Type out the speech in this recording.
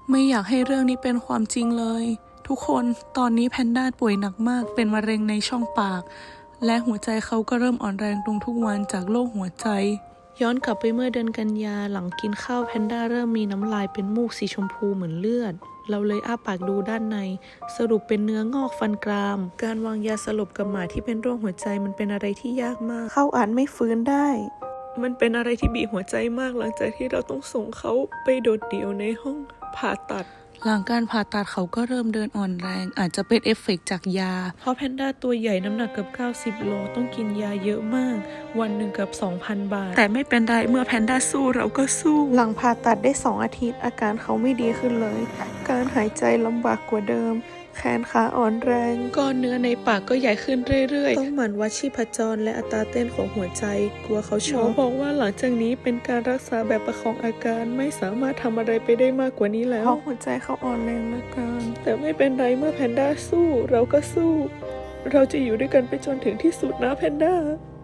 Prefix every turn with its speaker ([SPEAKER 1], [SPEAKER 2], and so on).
[SPEAKER 1] ไม่อยากให้เรื่องนี้เป็นความจริงเลยทุกคนตอนนี้แพนด้าป่วยหนักมากเป็นมะเร็งในช่องปากและหัวใจเขาก็เริ่มอ่อนแรงลงทุกวันจากโรคหัวใจย้อนกลับไปเมื่อเดือนกันยาหลังกินข้าวแพนด้าเริ่มมีน้ำลายเป็นมูกสีชมพูเหมือนเลือดเราเลยอ้าปากดูด้านในสรุปเป็นเนื้องอกฟันกรามการวางยาสลบกับหมาที่เป็นโรคหัวใจมันเป็นอะไรที่ยากมากเขาอาจไม่ฟื้นได้มันเป็นอะไรที่บีบหัวใจมากหลังจากที่เราต้องส่งเขาไปโดดเดี่ยวในห้องผ่าตัดหลังการผ่าตัดเขาก็เริ่มเดินอ่อนแรงอาจจะเป็นเอฟเฟกต์จากยาเพราะแพนด้าตัวใหญ่น้ำหนักเกือบ90 โลต้องกินยาเยอะมากวันหนึ่งเกือบ 2,000 บาทแต่ไม่เป็นไรเมื่อแพนด้าสู้เราก็สู้หลังผ่าตัดได้2 อาทิตย์อาการเขาไม่ดีขึ้นเลยการหายใจลำบากกว่าเดิมแขนขาอ่อนแรงก้อนเนื้อในปากก็ใหญ่ขึ้นเรื่อยๆต้องหมั่นวัดชีพจรและอัตราเต้นของหัวใจกลัวเขาช็อกบอกว่าหลังจากนี้เป็นการรักษาแบบประคองอาการไม่สามารถทำอะไรไปได้มากกว่านี้แล้วเพราะหัวใจเขาอ่อนแรงเหลือเกินแต่ไม่เป็นไรเมื่อแพนด้าสู้เราก็สู้เราจะอยู่ด้วยกันไปจนถึงที่สุดนะแพนด้า